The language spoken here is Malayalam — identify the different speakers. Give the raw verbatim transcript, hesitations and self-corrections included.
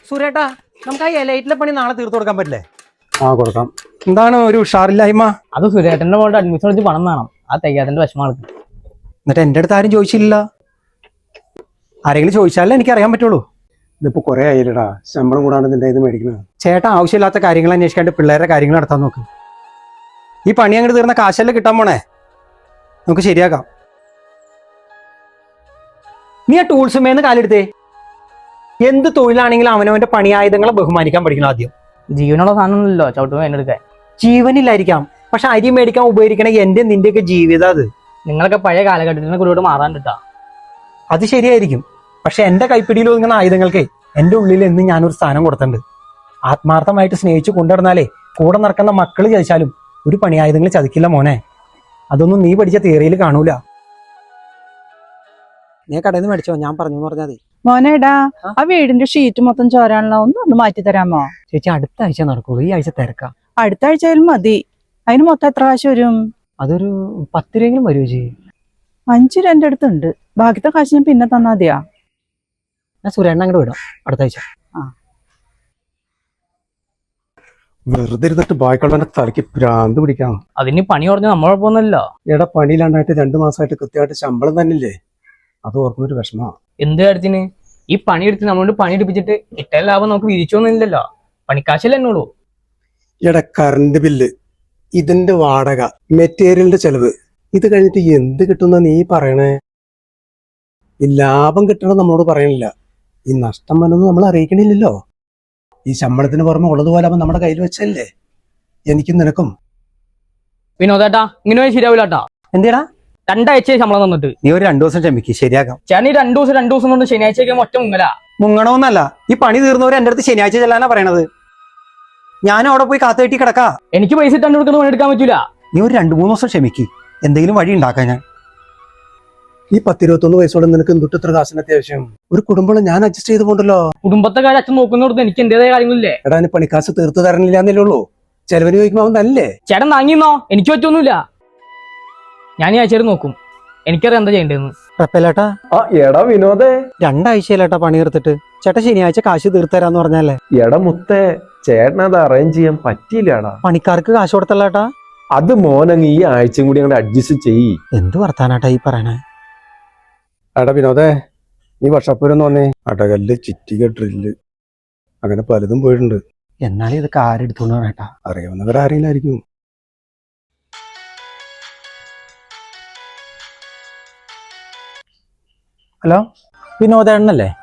Speaker 1: സുരേട്ടാ, നമുക്ക് ആ എലൈറ്റിലെ പണി നാളെ തീർത്തു കൊടുക്കാൻ പറ്റില്ലേ?
Speaker 2: ആ കൊടുക്കാം.
Speaker 1: എന്താണ് ഒരു ഉഷാറില്ലായ്മ?
Speaker 3: അത് സുരേട്ടന്റെ മോളുടെ അഡ്മിഷൻ എടുത്ത് പണം വേണം. ആ തികയാതിന്റെ വിഷമാണ്.
Speaker 1: എന്നിട്ട് എന്റെ അടുത്ത് ആരും ചോദിച്ചില്ല. ആരെങ്കിലും ചോദിച്ചാലേ എനിക്ക് അറിയാൻ പറ്റുള്ളൂ.
Speaker 2: ഇതിപ്പോ കുറെ ആയില്ലടാ ശമ്പളം കൂടാണ്ട് നിന്റെ ഇത് മേടിക്കുന്നത്.
Speaker 1: ചേട്ടാ, ആവശ്യമില്ലാത്ത കാര്യങ്ങൾ അന്വേഷിക്കാണ്ട് പിള്ളേരുടെ കാര്യങ്ങൾ നടത്താൻ നോക്ക്. ഈ പണി അങ്ങോട്ട് തീർന്ന കാശല്ലേ കിട്ടാൻ പോണേ, നമുക്ക് ശരിയാക്കാം. നീ ആ ടൂൾസുമേന്ന് കാലെടുത്തേ. എന്ത് തൊഴിലാണെങ്കിലും അവനവന്റെ പണിയായുധങ്ങളെ ബഹുമാനിക്കാൻ പഠിക്കണം ആദ്യം.
Speaker 3: ജീവനുള്ള സാധനമൊന്നുമില്ലോ ചവിട്ടുമ്പോൾ എന്നെടുക്കാൻ.
Speaker 1: ജീവനില്ലായിരിക്കാം, പക്ഷെ അരി മേടിക്കാൻ ഉപകരിക്കണ എന്റെ നിന്റെയൊക്കെ ജീവിതം അത്.
Speaker 3: നിങ്ങളൊക്കെ പഴയ കാലഘട്ടത്തിന് കൂടെ മാറാൻ കിട്ടാ.
Speaker 1: അത് ശരിയായിരിക്കും, പക്ഷെ എന്റെ കൈപ്പിടിയിൽ ഒതുങ്ങുന്ന ആയുധങ്ങൾക്ക് എന്റെ ഉള്ളിൽ എന്ന് ഞാനൊരു സ്ഥാനം കൊടുത്തിട്ടുണ്ട്. ആത്മാർത്ഥമായിട്ട് സ്നേഹിച്ചു കൊണ്ടുവരുന്നാലേ കൂടെ നടക്കുന്ന മക്കള് ചതിച്ചാലും ഒരു പണിയായുധങ്ങൾ ചതിക്കില്ല മോനെ. അതൊന്നും നീ പഠിച്ച തിയറിയിൽ കാണൂല. നീ കടയിൽ നിന്ന് മേടിച്ചോ, ഞാൻ പറഞ്ഞു എന്ന് പറഞ്ഞാൽ മതി.
Speaker 4: മോനേടാ, ആ വീടിന്റെ ഷീറ്റ് മൊത്തം ചോരാനുള്ള ഒന്ന് ഒന്ന് മാറ്റി തരാമോ?
Speaker 1: ചേച്ചി, അടുത്ത ആഴ്ച നടക്കുള്ളൂ, ഈ ആഴ്ച തിരക്കാം.
Speaker 4: അടുത്ത ആഴ്ചയിലും മതി. അതിന് മൊത്തം എത്ര കാശ് വരും?
Speaker 1: അതൊരു പത്ത് രൂപയെങ്കിലും വരുമോ ചേച്ചി?
Speaker 4: അഞ്ചു രൂപ എന്റെ അടുത്തുണ്ട്, ബാക്കിത്തെ കാശ് ഞാൻ പിന്നെ തന്നാ മതിയാ.
Speaker 1: ഞാൻ സുരേണ്ണ അങ്ങോട്ട് വിടാം അടുത്ത ആഴ്ച.
Speaker 2: വെറുതെ ഇരുന്നിട്ട് ബാക്കിയുള്ളവന്റെ തലയ്ക്ക് ഭ്രാന്ത് പിടിക്കാം.
Speaker 3: അതിന് പണി കുറഞ്ഞ നമ്മളൊപ്പമൊന്നുമല്ലോ.
Speaker 2: എടാ പണിയിലാണ്ടായിട്ട് രണ്ടു മാസമായിട്ട് കൃത്യമായിട്ട് ശമ്പളം തന്നില്ലേ, അത് ഓർക്കുന്നൊരു വിഷമാ.
Speaker 3: എന്ത് കാര്യത്തിന്? ഈ പണി എടുത്ത് നമ്മളോട് പണി എടുപ്പിച്ചിട്ട് ഇട്ട ലാഭം നമുക്ക് വിരിച്ചൊന്നുമില്ലല്ലോ. പണിക്കാശല്ലേ എന്നോളൂ.
Speaker 2: എടാ കറണ്ട് ബില്ല്, ഇതിന്റെ വാടക, മെറ്റീരിയലിന്റെ ചെലവ്, ഇത് കഴിഞ്ഞിട്ട് എന്ത് കിട്ടുന്ന നീ പറയണേ? ഈ ലാഭം കിട്ടണം നമ്മളോട് പറയണില്ല, ഈ നഷ്ടം വന്നത് നമ്മൾ അറിയിക്കണില്ലല്ലോ. ഈ ശമ്പളത്തിന് പുറമെ ഉള്ളതുപോലെ അവൻ നമ്മുടെ കയ്യിൽ വെച്ചല്ലേ എനിക്കും നിനക്കും.
Speaker 3: വിനോദേട്ടാ, ഇങ്ങനെ ശരിയാവില്ലാട്ടാ.
Speaker 1: എന്തിനാ?
Speaker 3: രണ്ടാഴ്ച ശമ്പളം തന്നിട്ട്
Speaker 1: നീ ഒരു രണ്ടു ദിവസം ക്ഷമിക്ക്, ശരിയാക്കാം.
Speaker 3: ചേട്ടൻ ഈ രണ്ടു ദിവസം രണ്ടു ദിവസം കൊണ്ട് ശനിയാഴ്ചയൊക്കെ ഒറ്റ മുങ്ങല.
Speaker 1: മുങ്ങണമെന്നല്ല, ഈ പണി തീർന്നവർ എന്റെ അടുത്ത് ശനിയാഴ്ച ചെല്ലാനാ പറയണത്. ഞാൻ അവിടെ പോയി കാത്തു കെട്ടി കിടക്കാ.
Speaker 3: എനിക്ക് പൈസ ഇട്ടാണ്ട് കൊടുക്കുന്ന പണി എടുക്കാൻ പറ്റൂല.
Speaker 1: നീ ഒരു രണ്ടു മൂന്ന് ദിവസം ക്ഷമിക്ക്, എന്തെങ്കിലും വഴി ഉണ്ടാക്കാൻ ഞാൻ.
Speaker 2: ഈ പത്തിരുപത്തൊന്ന് വയസ്സോടെ നിനക്ക് എന്തുട്ട് ഇത്ര കാശിന് അത്യാവശ്യം? ഒരു കുടുംബം ഞാൻ അഡ്ജസ്റ്റ് ചെയ്ത് പോണ്ടല്ലോ.
Speaker 3: കുടുംബത്തെ കാര്യം അച്ഛൻ നോക്കുന്നോടത്ത് എനിക്ക് എന്റേതായ കാര്യങ്ങളില്ലേ.
Speaker 2: എടാ നീ പണിക്കാശ് തീർത്ത് തരണില്ല എന്നല്ലേ ഉള്ളൂ, ചെലവിന് ചോദിക്കുമ്പോ അവൻ തല്ലേ.
Speaker 3: ചേട്ടൻ താങ്ങിന്നോ, എനിക്ക് പറ്റൊന്നുമില്ല. ഞാൻ ഈ ആഴ്ചയിൽ നോക്കും, എനിക്കറിയാം എന്താ ചെയ്യേണ്ടതെന്ന്.
Speaker 1: പ്രപ്പലേട്ടാ,
Speaker 5: ആ എടാ വിനോദേ,
Speaker 1: രണ്ടാഴ്ചയിലേട്ടാ പണി തീർത്തിട്ട്. ചേട്ടാ ശനിയാഴ്ച കാശ് തീർത്തരാന്ന് പറഞ്ഞല്ലേ.
Speaker 5: എടാ മുത്തേ, ചേട്ടനത് അറേഞ്ച് ചെയ്യാൻ പറ്റിയില്ലടാ.
Speaker 1: പണിക്കാർക്ക് കാശ് കൊടുത്തല്ലേട്ടാ.
Speaker 5: അത് മോനങ്ങ് ഈ ആഴ്ചയും കൂടി അങ്ങോട്ട് അഡ്ജസ്റ്റ് ചെയ്യ്.
Speaker 1: എന്ത് വർത്താനാട്ടാ ഈ പറയണേ?
Speaker 2: എടാ വിനോദേ, നീ വർഷപ്പൂരൊന്നും വന്നേ. അടകല്ല്, ചിറ്റിക, ഡ്രില്ല്, അങ്ങനെ പലതും പോയിട്ടുണ്ട്.
Speaker 1: എന്നാലും ഇതൊക്കെ ആരെടുത്തോണ്ട് പറയട്ടാ?
Speaker 2: അറിയാവുന്നവരാരെങ്കിലും ആയിരിക്കും.
Speaker 1: ഹലോ, വിനോദേണ്ണല്ലേ?